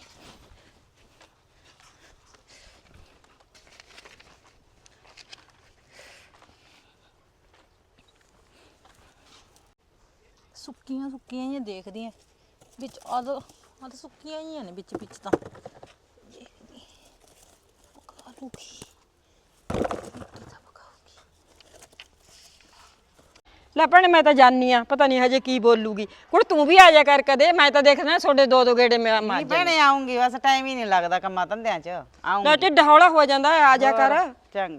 S2: ਸੁੱਕੀਆਂ ਸੁੱਕੀਆਂ ਹੀ ਦੇਖਦੀਆਂ ਵਿੱਚ, ਆਦ ਆਦ ਸੁੱਕੀਆਂ ਹੀ ਨੇ ਵਿੱਚ ਵਿੱਚ ਤਾਂ ਦੇਖਦੀ ਪਕਾ ਲੂਗੀ, ਰੋਟੀ ਤਾਂ ਪਕਾਊਗੀ।
S1: ਲੈ ਭੈਣੇ ਮੈਂ ਤਾਂ ਜਾਣੀ ਆ, ਪਤਾ ਨਹੀਂ ਹਜੇ ਕੀ ਬੋਲੂਗੀ। ਕੁੜ ਤੂੰ ਵੀ ਆ ਜਾ ਕਰ ਕਦੇ, ਮੈਂ ਤਾਂ ਦੇਖਦਾ ਤੁਹਾਡੇ ਦੋ ਦੋ ਗੇੜੇ ਮਾਰ
S3: ਨਹੀਂ
S1: ਜਾ।
S3: ਭੈਣੇ ਆਉਂਗੀ, ਬਸ ਟਾਈਮ ਹੀ ਨਹੀਂ ਲੱਗਦਾ ਕੰਮਾਂ ਧੰਦਿਆਂ 'ਚ, ਆਉਂਗੀ।
S1: ਲੈ ਢਿੱਡ ਹੌਲਾ ਹੋ ਜਾਂਦਾ, ਆ ਜਾ ਕਰ।
S3: ਚੰਗਾ।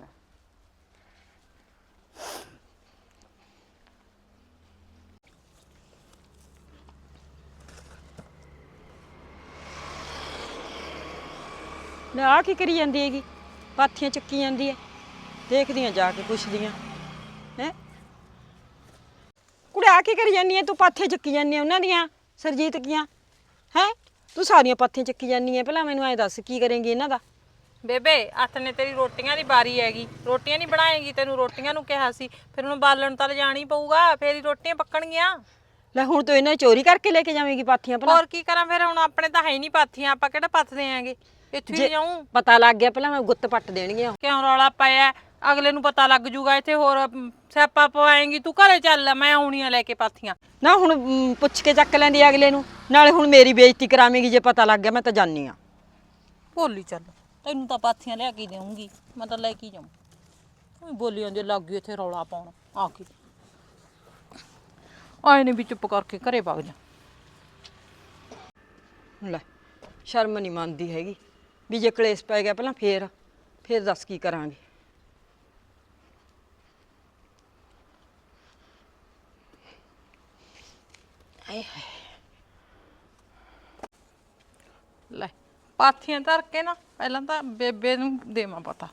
S1: ਲੈ ਆ ਕੀ ਕਰੀ ਜਾਂਦੀ ਹੈਗੀ, ਪਾਥੀਆਂ ਚੱਕੀ ਜਾਂਦੀ ਹੈ, ਦੇਖਦੀਆਂ ਜਾ ਕੇ ਪੁੱਛਦੀਆਂ ਹੈ। ਕੁੜੇ ਆ ਕੀ ਕਰੀ ਜਾਂਦੀ ਹੈ ਤੂੰ, ਪਾਥੀਆਂ ਚੱਕੀ ਜਾਂਦੀ ਹੈ ਉਹਨਾਂ ਦੀਆਂ ਸਰਜੀਤ ਕੀਆਂ ਹੈ, ਤੂੰ ਸਾਰੀਆਂ ਪਾਥੀਆਂ ਚੱਕੀ ਜਾਂਦੀ ਹੈ, ਪਹਿਲਾਂ ਮੈਨੂੰ ਐਂ ਦੱਸ ਕੀ ਕਰੇਂਗੀ ਇਹਨਾਂ ਦਾ।
S2: ਬੇਬੇ ਹੱਥ ਨੇ ਤੇਰੀ ਰੋਟੀਆਂ ਦੀ ਬਾਰੀ ਹੈਗੀ, ਰੋਟੀਆਂ ਨਹੀਂ ਬਣਾਏਗੀ, ਤੈਨੂੰ ਰੋਟੀਆਂ ਨੂੰ ਕਿਹਾ ਸੀ, ਫਿਰ ਹੁਣ ਬਾਲਣ ਤਾਂ ਲਿਜਾਣੀ ਪਊਗਾ, ਫੇਰ ਹੀ ਰੋਟੀਆਂ ਪੱਕਣਗੀਆਂ।
S1: ਲੈ ਹੁਣ ਤੂੰ ਇਹਨਾਂ ਚੋਰੀ ਕਰਕੇ ਲੈ ਕੇ ਜਾਵੇਂਗੀ ਪਾਥੀਆਂ ਭਲਾ?
S2: ਹੋਰ ਕੀ ਕਰਾਂ ਫਿਰ, ਹੁਣ ਆਪਣੇ ਤਾਂ ਹੈ ਹੀ ਨਹੀਂ ਪਾਥੀਆਂ, ਆਪਾਂ ਕਿਹੜਾ ਪੱਥਦੇ ਆਂਗੇ, ਇੱਥੇ ਹੀ ਜਾਊਂ।
S1: ਪਤਾ ਲੱਗ ਗਿਆ ਪਹਿਲਾਂ ਮੈਂ ਗੁੱਤ ਪੱਟ ਦੇਣਗੀਆਂ।
S2: ਕਿਉਂ ਰੌਲਾ ਪਾਇਆ, ਅਗਲੇ ਨੂੰ ਪਤਾ ਲੱਗ ਜੂਗਾ, ਇੱਥੇ ਹੋਰ ਸਿਆਪਾ ਪਵਾਏਂਗੀ, ਤੂੰ ਘਰੇ ਚੱਲ, ਮੈਂ ਆਉਣੀਆਂ ਲੈ ਕੇ ਪਾਥੀਆਂ।
S1: ਨਾ ਹੁਣ ਮ, ਪੁੱਛ ਕੇ ਚੱਕ ਲੈਂਦੀ ਅਗਲੇ ਨੂੰ, ਨਾਲੇ ਹੁਣ ਮੇਰੀ ਬੇਇੱਜ਼ਤੀ ਕਰਾਵੇਂਗੀ ਜੇ ਪਤਾ ਲੱਗ ਗਿਆ। ਮੈਂ ਤਾਂ ਜਾਣੀ ਆ।
S2: ਭੋਲੀ ਚੱਲ, ਤੈਨੂੰ ਤਾਂ ਪਾਥੀਆਂ ਲਿਆ ਕੇ ਦੇਵਾਂਗੀ, ਮੈਂ ਤਾਂ ਲੈ ਕੇ ਜਾਊਂ। ਊਂ ਬੋਲੀ ਜਾਂਦੀ ਲੱਗ ਗਈ ਇੱਥੇ ਰੌਲਾ ਪਾਉਣ ਆ ਕੇ ਆਏ ਨੇ ਵੀ ਚੁੱਪ ਕਰਕੇ ਘਰੇ ਵਗ ਜਾ
S1: ਲੈ ਸ਼ਰਮ ਨਹੀਂ ਮੰਨਦੀ ਹੈਗੀ ਵੀ ਜੇ ਕਲੇਸ਼ ਪੈ ਗਿਆ ਪਹਿਲਾਂ ਫੇਰ ਫੇਰ ਦੱਸ ਕੀ ਕਰਾਂਗੇ। ਆਏ ਹਾਏ
S2: ਲੈ ਪਾਥੀਆਂ ਧਰ ਕੇ ਨਾ ਪਹਿਲਾਂ ਤਾਂ ਬੇਬੇ ਨੂੰ ਦੇਵਾਂ ਪਤਾ।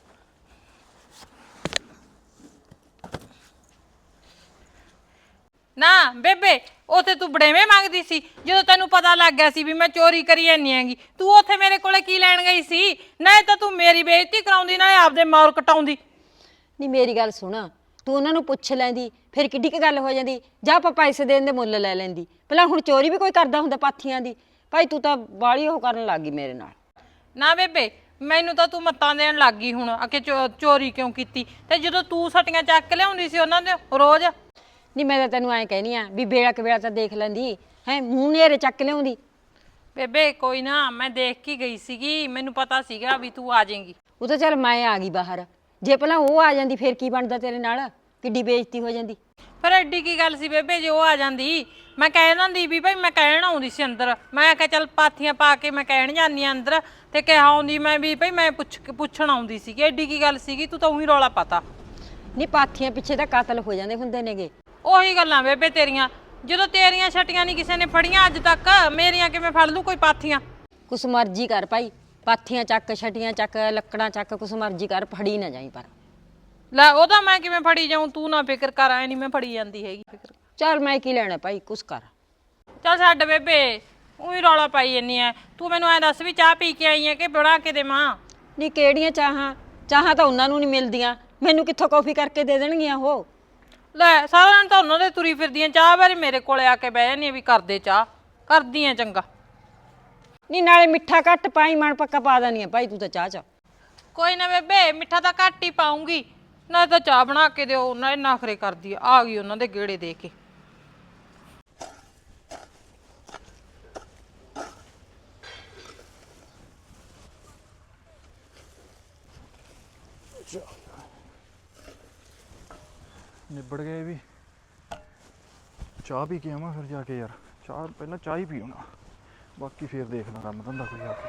S2: ਨਾ ਬੇਬੇ ਉਥੇ ਤੂੰ ਬੜੇਵੇਂ ਮੰਗਦੀ ਸੀ ਜਦੋਂ ਤੈਨੂੰ ਪਤਾ ਲੱਗ ਗਿਆ ਸੀ ਵੀ ਮੈਂ ਚੋਰੀ ਕਰੀ ਜਾਂਦੀ ਹੈਗੀ ਤੂੰ ਉਥੇ ਮੇਰੇ ਕੋਲੇ ਕੀ ਲੈਣ ਗਈ ਸੀ? ਨਾ ਤਾਂ ਤੂੰ ਮੇਰੀ ਬੇਇੱਜ਼ਤੀ ਕਰਾਉਂਦੀ ਨਾ ਆਪਦੇ ਮੌਰ ਕਟਾਉਂਦੀ।
S1: ਨਹੀਂ ਮੇਰੀ ਗੱਲ ਸੁਣ ਤੂੰ ਉਹਨਾਂ ਨੂੰ ਪੁੱਛ ਲੈਂਦੀ ਫਿਰ ਕਿੱਡੀ ਕੁ ਗੱਲ ਹੋ ਜਾਂਦੀ ਜਾਂ ਆਪਾਂ ਪੈਸੇ ਦੇਣ ਦੇ ਮੁੱਲ ਲੈ ਲੈਂਦੀ। ਪਹਿਲਾਂ ਹੁਣ ਚੋਰੀ ਵੀ ਕੋਈ ਕਰਦਾ ਹੁੰਦਾ ਪਾਥੀਆਂ ਦੀ ਭਾਈ ਤੂੰ ਤਾਂ ਬਾਹਲੀ ਉਹ ਕਰਨ ਲੱਗ ਗਈ ਮੇਰੇ ਨਾਲ।
S2: ਨਾ ਬੇਬੇ ਮੈਨੂੰ ਤਾਂ ਤੂੰ ਮੱਤਾਂ ਦੇਣ ਲੱਗ ਗਈ ਹੁਣ ਆ ਕਿ ਚੋਰੀ ਕਿਉਂ ਕੀਤੀ ਤੇ ਜਦੋਂ ਤੂੰ ਸਟੀਆਂ ਚੱਕ ਲਿਆਉਂਦੀ ਸੀ ਉਹਨਾਂ ਦੇ ਰੋਜ਼।
S1: ਨਹੀਂ ਮੈਂ ਤਾਂ ਤੈਨੂੰ ਐਂ ਕਹਿਨੀ ਆ ਵੀ ਵੇਲਾ ਕਿ ਵੇਲਾ ਤਾਂ ਦੇਖ ਲੈਂਦੀ ਹੈ ਮੂੰਹ ਨੇਰੇ ਚੱਕ ਲਿਆਉਂਦੀ।
S2: ਬੇਬੇ ਕੋਈ ਨਾ ਮੈਂ ਦੇਖ ਕੇ ਗਈ ਸੀਗੀ ਮੈਨੂੰ ਪਤਾ ਸੀਗਾ ਵੀ ਤੂੰ ਆ ਜਾਏਂਗੀ।
S1: ਉਹ ਤਾਂ ਚੱਲ ਮੈਂ ਆ ਗਈ ਬਾਹਰ ਜੇ ਪਹਿਲਾਂ ਉਹ ਆ ਜਾਂਦੀ ਫਿਰ ਕੀ ਬਣਦਾ ਤੇਰੇ ਨਾਲ ਕਿੱਡੀ ਬੇਇੱਜ਼ਤੀ ਹੋ ਜਾਂਦੀ।
S2: ਫਿਰ ਐਡੀ ਕੀ ਗੱਲ ਸੀ ਬੇਬੇ ਜੇ ਉਹ ਆ ਜਾਂਦੀ ਮੈਂ ਕਹਿ ਦਿੰਦੀ ਵੀ ਭਾਈ ਮੈਂ ਕਹਿਣ ਆਉਂਦੀ ਸੀ ਅੰਦਰ ਮੈਂ ਕਿਹਾ ਚੱਲ ਪਾਥੀਆਂ ਪਾ ਕੇ ਮੈਂ ਕਹਿਣ ਜਾਂਦੀ ਆ ਅੰਦਰ ਤੇ ਕਿਹਾ ਆਉਂਦੀ ਮੈਂ ਵੀ ਭਾਈ ਮੈਂ ਪੁੱਛ ਪੁੱਛਣ ਆਉਂਦੀ ਸੀਗੀ ਐਡੀ ਕੀ ਗੱਲ ਸੀਗੀ ਤੂੰ ਤਾਂ ਉਹੀ ਰੌਲਾ ਪਤਾ।
S1: ਨਹੀਂ ਪਾਥੀਆਂ ਪਿੱਛੇ ਤਾਂ ਕਾਤਲ ਹੋ ਜਾਂਦੇ ਹੁੰਦੇ ਨੇਗੇ।
S2: ਉਹੀ ਗੱਲਾਂ ਬੇਬੇ ਤੇਰੀਆਂ ਜਦੋਂ ਤੇਰੀਆਂ ਛਟੀਆਂ ਨਹੀਂ ਕਿਸੇ ਨੇ ਫੜੀਆਂ ਅੱਜ ਤੱਕ ਮੇਰੀਆਂ ਕਿਵੇਂ ਫੜ ਲੂ ਕੋਈ ਪਾਥੀਆਂ।
S1: ਕੁਛ ਮਰਜ਼ੀ ਕਰ ਭਾਈ ਪਾਥੀਆਂ ਚੱਕ ਛਟੀਆਂ ਚੱਕ ਲੱਕੜਾਂ ਚੱਕ ਕੁਛ ਮਰਜ਼ੀ ਕਰ ਫੜੀ ਨਾ ਜਾਈ ਪਰ।
S2: ਲੈ ਉਹ ਤਾਂ ਮੈਂ ਕਿਵੇਂ ਫੜੀ ਜਾਊਂ ਤੂੰ ਨਾ ਫਿਕਰ ਕਰ ਐ ਨਹੀਂ ਮੈਂ ਫੜੀ ਜਾਂਦੀ ਹੈਗੀ ਫਿਕਰ।
S1: ਚੱਲ ਮੈਂ ਕੀ ਲੈਣਾ ਭਾਈ ਕੁਛ ਕਰ।
S2: ਚੱਲ ਛੱਡ ਬੇਬੇ ਉਹੀ ਰੌਲਾ ਪਾਈ ਜੰਨੀ ਐ ਤੂੰ ਮੈਨੂੰ ਐ ਦੱਸ ਵੀ ਚਾਹ ਪੀ ਕੇ ਆਈ ਐ ਕਿ ਬਣਾ ਕੇ ਦੇਵਾਂ।
S1: ਨਹੀਂ ਕਿਹੜੀਆਂ ਚਾਹਾਂ ਚਾਹਾਂ ਤਾਂ ਉਹਨਾਂ ਨੂੰ ਨਹੀਂ ਮਿਲਦੀਆਂ ਮੈਨੂੰ ਕਿੱਥੋਂ ਕੌਫੀ ਕਰਕੇ ਦੇ ਦੇਣਗੀਆਂ ਉਹ।
S2: ਲੈ ਸਾਰਾ ਦਿਨ ਤਾਂ ਉਹਨਾਂ ਦੇ ਤੁਰੀ ਫਿਰਦੀਆਂ ਚਾਹ ਵਾਰੀ ਮੇਰੇ ਕੋਲੇ ਆ ਕੇ ਬਹਿ ਜਾਂਦੀ ਵੀ ਕਰਦੇ ਚਾਹ ਕਰਦੀ ਆ ਚੰਗਾ।
S1: ਨਹੀਂ ਨਾਲੇ ਮਿੱਠਾ ਘੱਟ ਪਾਈ ਮਣ ਪੱਕਾ ਪਾ ਦੇਣੀ ਆ ਭਾਈ ਤੂੰ ਤਾਂ ਚਾਹ ਚ।
S2: ਕੋਈ ਨਾ ਬੇਬੇ ਮਿੱਠਾ ਤਾਂ ਘੱਟ ਹੀ ਪਾਉਂਗੀ ਨਾ ਤਾਂ ਚਾਹ ਬਣਾ ਕੇ ਦਿਓ ਨਾ ਨਖਰੇ ਕਰਦੀ ਆ ਆ ਗਈ ਉਹਨਾਂ ਦੇ ਗੇੜੇ ਦੇ ਕੇ।
S4: ਨਿਬੜ ਗਏ ਵੀ ਚਾਹ ਪੀ ਕੇ ਆਵਾਂ ਫਿਰ ਜਾ ਕੇ ਯਾਰ ਚਾਹ ਪਹਿਲਾਂ ਚਾਹ ਹੀ ਪੀਉਣਾ ਬਾਕੀ ਫਿਰ ਦੇਖਣਾ ਕੰਮ ਧੰਦਾ ਕੋਈ ਆ ਕੇ।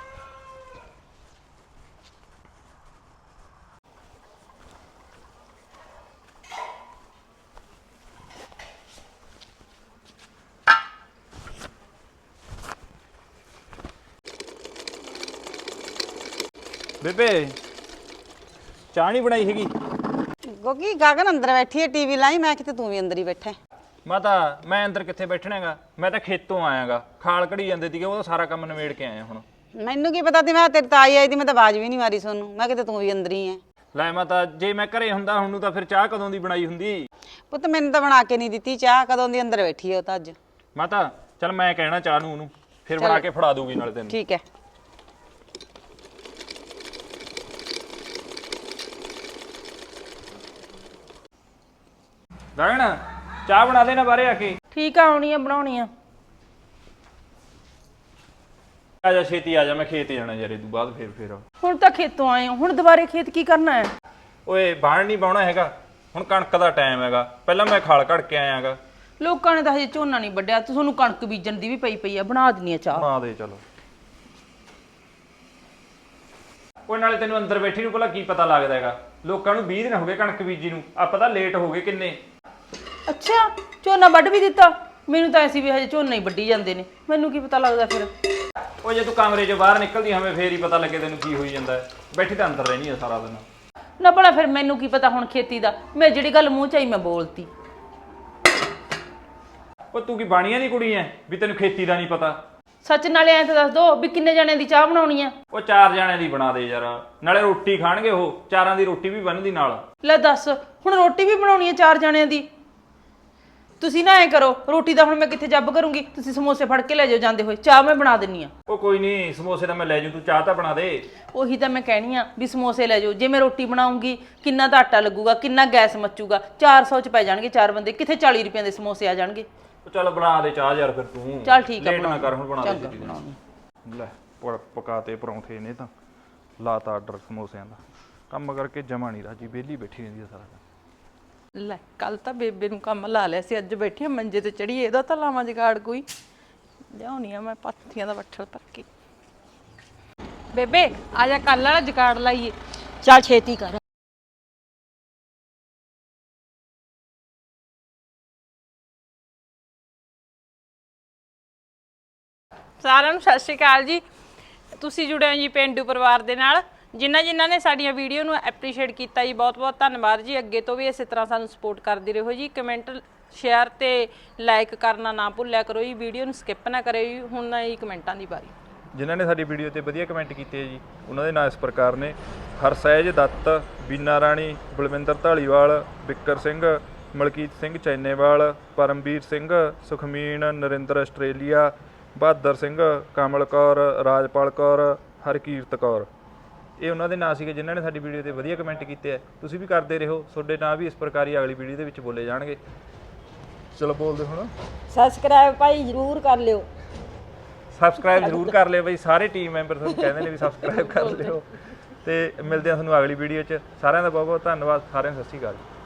S5: ਬੇਬੇ ਚਾਹ ਨਹੀਂ ਬਣਾਈ ਹੈਗੀ।
S3: ਕਿਉਂਕਿ ਗਗਨ ਅੰਦਰ ਬੈਠੀ ਹੈ ਟੀਵੀ ਲਾਈ ਮੈਂ ਕਿਤੇ ਤੂੰ ਵੀ ਅੰਦਰ ਹੀ ਬੈਠਾ।
S5: ਮਾਤਾ ਮੈਂ ਅੰਦਰ ਕਿੱਥੇ ਬੈਠਣਾਗਾ ਮੈਂ ਤਾਂ ਖੇਤੋਂ ਆਇਆਗਾ ਖਾਲ ਘੜੀ ਜਾਂਦੇ ਸੀਗੇ ਉਹ ਸਾਰਾ ਕੰਮ ਨਿਬੇੜ ਕੇ ਆਇਆ ਹੁਣ।
S3: ਮੈਨੂੰ ਕੀ ਪਤਾ ਤੀ ਮੈਂ ਤੇਰੀ ਤਾਈ ਆਈ ਤੀ ਮੈਂ ਤਾਂ ਆਵਾਜ਼ ਵੀ ਨਹੀਂ ਮਾਰੀ ਸੋਨੂੰ ਮੈਂ ਕਿਤੇ ਤੂੰ ਵੀ ਅੰਦਰ ਹੀ ਐ।
S5: ਲੈ ਮਾਤਾ ਜੇ ਮੈਂ ਘਰੇ ਹੁੰਦਾ ਹੁਣ ਨੂੰ ਤਾਂ ਫਿਰ ਚਾਹ ਕਦੋਂ ਦੀ ਬਣਾਈ ਹੁੰਦੀ।
S3: ਪੁੱਤ ਮੈਨੂੰ ਤਾਂ ਬਣਾ ਕੇ ਨਹੀਂ ਦਿੱਤੀ ਚਾਹ ਕਦੋਂ ਦੀ ਅੰਦਰ ਬੈਠੀ ਹੈ ਉਹ ਤਾਂ ਅੱਜ।
S5: ਮਾਤਾ ਚੱਲ ਮੈਂ ਕਹਿਣਾ ਚਾਹ ਨੂੰ ਉਹਨੂੰ ਫਿਰ ਬਣਾ ਕੇ ਫੜਾ ਦੂਗੀ ਨਾਲੇ ਤੈਨੂੰ।
S3: ਠੀਕ ਹੈ।
S5: ਗਗਨ ਚਾਹ ਬਣਾ ਦੇ ਨਾ ਬਾਹਰੇ ਆ ਕੇ।
S2: ਠੀਕ ਆ ਆਉਣੀ ਆ ਬਣਾਉਣੀ ਆ।
S5: ਆ ਜਾ ਛੇਤੀ ਆ ਜਾ ਮੈਂ ਖੇਤ ਜਾਣਾ ਯਾਰ ਇਹ ਤੋਂ ਬਾਅਦ ਫਿਰ ਫਿਰ
S6: ਹੁਣ ਤਾਂ ਖੇਤੋਂ ਆਏ ਹੋ ਹੁਣ ਦੁਬਾਰੇ ਖੇਤ ਕੀ ਕਰਨਾ ਹੈ?
S5: ਓਏ ਬਾਣ ਨਹੀਂ ਬਾਉਣਾ ਹੈਗਾ ਹੁਣ ਕਣਕ ਦਾ ਟਾਈਮ ਹੈਗਾ ਪਹਿਲਾਂ ਮੈਂ ਖਾਲ ਘੜ ਕੇ ਆਇਆਗਾ।
S6: ਲੋਕਾਂ ਨੇ ਤਾਂ ਹਜੇ ਝੋਨਾ ਨਹੀਂ ਵੱਢਿਆ ਤੇ ਤੁਹਾਨੂੰ ਕਣਕ ਬੀਜਣ ਦੀ ਵੀ ਪਈ ਪਈ ਆ ਬਣਾ ਦਿੰਨੀ ਆ ਚਾਹ।
S5: ਬਣਾ ਦੇ ਚਲੋ। ਉਹ ਨਾਲੇ ਤੈਨੂੰ ਅੰਦਰ ਬੈਠੀ ਨੂੰ ਭਲਾ ਕੀ ਪਤਾ ਲੱਗਦਾ ਹੈਗਾ ਲੋਕਾਂ ਨੂੰ ਵੀਹ ਦਿਨ ਹੋ ਗਏ ਕਣਕ ਬੀਜੀ ਨੂੰ ਆਪਾਂ ਤਾਂ ਲੇਟ ਹੋ ਗਏ ਕਿੰਨੇ।
S6: ਅੱਛਾ ਝੋਨਾ ਵੱਢ ਵੀ ਦਿੱਤਾ ਮੈਨੂੰ ਤਾਂ ਐਸੀ ਵੀ ਹਜੇ ਝੋਨਾ ਹੀ ਵੱਢੀ ਜਾਂਦੇ ਨੇ ਮੈਨੂੰ ਕੀ ਪਤਾ ਲੱਗਦਾ ਫਿਰ।
S5: ਉਹ ਜੇ ਤੂੰ ਕਮਰੇ 'ਚੋਂ ਬਾਹਰ ਨਿਕਲਦੀ ਹਵੇਂ ਫੇਰ ਹੀ ਪਤਾ ਲੱਗੇ ਤੈਨੂੰ ਕੀ ਹੋਈ ਜਾਂਦਾ ਹੈ। ਬੈਠੀ ਤਾਂ ਅੰਦਰ ਰਹਿਣੀ ਆ ਸਾਰਾ ਦਿਨ।
S6: ਨਾ ਭਲਾ ਫਿਰ ਮੈਨੂੰ ਕੀ ਪਤਾ ਹੁਣ ਖੇਤੀ ਦਾ ਮੈਂ ਜਿਹੜੀ ਗੱਲ ਮੂੰਹ ਚ ਆਈ ਮੈਂ ਬੋਲਤੀ।
S5: ਉਹ ਤੂੰ ਕੀ ਬਾਣੀਆਂ ਦੀ ਕੁੜੀ ਐ ਵੀ ਤੈਨੂੰ ਖੇਤੀ ਦਾ ਨਹੀਂ ਪਤਾ।
S6: ਸੱਚ ਨਾਲੇ ਐਂ ਤਾਂ ਦੱਸ ਦੋ ਵੀ ਕਿੰਨੇ ਜਣਿਆਂ ਦੀ ਚਾਹ ਬਣਾਉਣੀ ਆ?
S5: ਉਹ ਚਾਰ ਜਣਿਆਂ ਦੀ ਬਣਾ ਦੇ ਯਾਰ ਨਾਲੇ ਰੋਟੀ ਖਾਣਗੇ ਉਹ ਚਾਰਾਂ ਦੀ ਰੋਟੀ ਵੀ ਬਣਦੀ ਨਾਲ।
S6: ਲੈ ਦੱਸ ਹੁਣ ਰੋਟੀ ਵੀ ਬਣਾਉਣੀ ਆ ਚਾਰ ਜਣਿਆਂ ਦੀ? ਤੁਸੀਂ ਨਾ ਐਂ ਕਰੋ ਰੋਟੀ ਦਾ ਹੁਣ ਮੈਂ ਕਿੱਥੇ ਜੱਬ ਕਰੂੰਗੀ ਤੁਸੀਂ ਸਮੋਸੇ ਫੜ ਕੇ ਲੈ ਜਾਓ ਜਾਂਦੇ ਹੋਏ ਚਾਹ ਮੈਂ ਬਣਾ ਦਿੰਨੀ ਆ।
S5: ਉਹ ਕੋਈ ਨਹੀਂ ਸਮੋਸੇ ਤਾਂ ਮੈਂ ਲੈ ਜੂ ਤੂੰ ਚਾਹ ਤਾਂ ਬਣਾ ਦੇ।
S6: ਉਹੀ ਤਾਂ ਮੈਂ ਕਹਿਣੀ ਆ ਵੀ ਸਮੋਸੇ ਲੈ ਜਾਓ ਜੇ ਮੈਂ ਰੋਟੀ ਬਣਾਉਂਗੀ ਕਿੰਨਾ ਤਾਂ ਆਟਾ ਲੱਗੂਗਾ ਕਿੰਨਾ ਗੈਸ ਮੱਚੂਗਾ ਚਾਰ ਸੌ ਚ ਪੈ ਜਾਣਗੇ ਚਾਰ ਬੰਦੇ ਕਿੱਥੇ ਚਾਲੀ ਰੁਪਏ ਦੇ ਸਮੋਸੇ ਆ ਜਾਣਗੇ।
S5: ਉਹ ਚੱਲ ਬਣਾ ਦੇ ਚਾਹ ਯਾਰ ਫਿਰ ਤੂੰ।
S6: ਚੱਲ ਠੀਕ ਆ
S5: ਲੇਟ ਨਾ ਕਰ ਹੁਣ ਬਣਾ ਦੇ
S6: ਚੰਗਾ,
S5: ਛੇਤੀ।
S4: ਲੈ ਪ- ਪਕਾਤੇ ਪਰੌਂਠੇ ਨੇ ਤਾਂ ਲਾਤਾ ਆਰਡਰ ਸਮੋਸਿਆਂ ਦਾ ਕੰਮ ਕਰਕੇ ਜਮਾ ਨਹੀਂ ਰਾਜੀ, ਵਿਹਲੀ ਬੈਠੀ ਰਹਿੰਦੀ ਆ ਸਾਰਾ ਦਿਨ।
S6: ਲੈ ਕੱਲ ਤਾਂ ਬੇਬੇ ਨੂੰ ਕੰਮ ਲਾ ਲਿਆ ਸੀ, ਅੱਜ ਬੈਠੀ ਆ ਮੰਜੇ ਤੇ ਚੜੀ, ਇਹਦਾ ਤਾਂ ਲਾਵਾਂ ਜਗਾੜ ਕੋਈ। ਲਿਆਉਣੀ ਆ ਮੈਂ ਪਾਥੀਆਂ ਦਾ ਵੱਠਲ ਭਰ ਕੇ।
S2: ਬੇਬੇ ਆ ਜਾ ਕੱਲ ਵਾਲਾ ਜਕਾੜ ਲਾਈਏ।
S1: ਚੱਲ ਛੇਤੀ ਕਰ।
S2: ਸਾਰਿਆਂ ਨੂੰ ਸਤਿ ਸ਼੍ਰੀ ਅਕਾਲ ਜੀ। ਤੁਸੀਂ ਜੁੜੇ ਹੋ ਜੀ ਪੇਂਡੂ ਪਰਿਵਾਰ ਦੇ ਨਾਲ। ਜਿਨ੍ਹਾਂ ਜਿਨ੍ਹਾਂ ਨੇ ਸਾਡੀਆਂ ਵੀਡੀਓ ਨੂੰ ਐਪਰੀਸ਼ੀਏਟ ਕੀਤਾ ਜੀ, ਬਹੁਤ ਬਹੁਤ ਧੰਨਵਾਦ ਜੀ। ਅੱਗੇ ਤੋਂ ਵੀ ਇਸੇ ਤਰ੍ਹਾਂ ਸਾਨੂੰ ਸਪੋਰਟ ਕਰਦੇ ਰਹੋ ਜੀ। ਕਮੈਂਟ ਸ਼ੇਅਰ ਤੇ ਲਾਈਕ ਕਰਨਾ ਨਾ ਭੁੱਲਿਆ ਕਰੋ ਜੀ। ਵੀਡੀਓ ਨੂੰ ਸਕਿਪ ਨਾ ਕਰਿਓ ਜੀ। ਹੁਣ ਨਾ ਜੀ ਕਮੈਂਟਾਂ ਦੀ ਵਾਰੀ।
S4: ਜਿਨ੍ਹਾਂ ਨੇ ਸਾਡੀ ਵੀਡੀਓ ਤੇ ਵਧੀਆ ਕਮੈਂਟ ਕੀਤੇ ਜੀ, ਉਹਨਾਂ ਦੇ ਨਾਂ ਇਸ ਪ੍ਰਕਾਰ ਨੇ: ਹਰਸਹਿਜ ਦੱਤ, ਬੀਨਾ ਰਾਣੀ, ਬਲਵਿੰਦਰ ਢਾਲੀਵਾਲ, ਬਿੱਕਰ ਸਿੰਘ, ਮਲਕੀਤ ਸਿੰਘ ਚੈਨੇਵਾਲ, ਪਰਮਵੀਰ ਸਿੰਘ, ਸੁਖਮੀਨ, ਨਰਿੰਦਰ ਆਸਟ੍ਰੇਲੀਆ, ਬਹਾਦਰ ਸਿੰਘ, ਕਮਲ ਕੌਰ, ਰਾਜਪਾਲ ਕੌਰ, ਹਰਕੀਰਤ ਕੌਰ। ਇਹ ਉਹਨਾਂ ਦੇ ਨਾਂ ਸੀਗੇ ਜਿਨ੍ਹਾਂ ਨੇ ਸਾਡੀ ਵੀਡੀਓ ਤੇ ਵਧੀਆ ਕਮੈਂਟ ਕੀਤੇ ਆ। ਤੁਸੀਂ ਵੀ ਕਰਦੇ ਰਹੋ, ਤੁਹਾਡੇ ਨਾਂ ਵੀ ਇਸ ਪ੍ਰਕਾਰ ਹੀ ਅਗਲੀ ਵੀਡੀਓ ਦੇ ਵਿੱਚ ਬੋਲੇ ਜਾਣਗੇ। ਚਲੋ ਬੋਲਦੇ ਹੁਣ।
S1: ਸਬਸਕ੍ਰਾਈਬ ਭਾਈ ਜ਼ਰੂਰ ਕਰ ਲਿਓ।
S5: ਸਬਸਕ੍ਰਾਈਬ ਜ਼ਰੂਰ ਕਰ ਲਿਓ ਬਈ, ਸਾਰੇ ਟੀਮ ਮੈਂਬਰ ਤੁਹਾਨੂੰ ਕਹਿੰਦੇ ਨੇ ਵੀ ਸਬਸਕ੍ਰਾਈਬ ਕਰ ਲਿਓ। ਤੇ ਮਿਲਦੇ ਆ ਤੁਹਾਨੂੰ ਅਗਲੀ ਵੀਡੀਓ 'ਚ। ਸਾਰਿਆਂ ਦਾ ਬਹੁਤ ਬਹੁਤ ਧੰਨਵਾਦ। ਸਾਰਿਆਂ ਨੂੰ ਸਤਿ ਸ਼੍ਰੀ ਅਕਾਲ।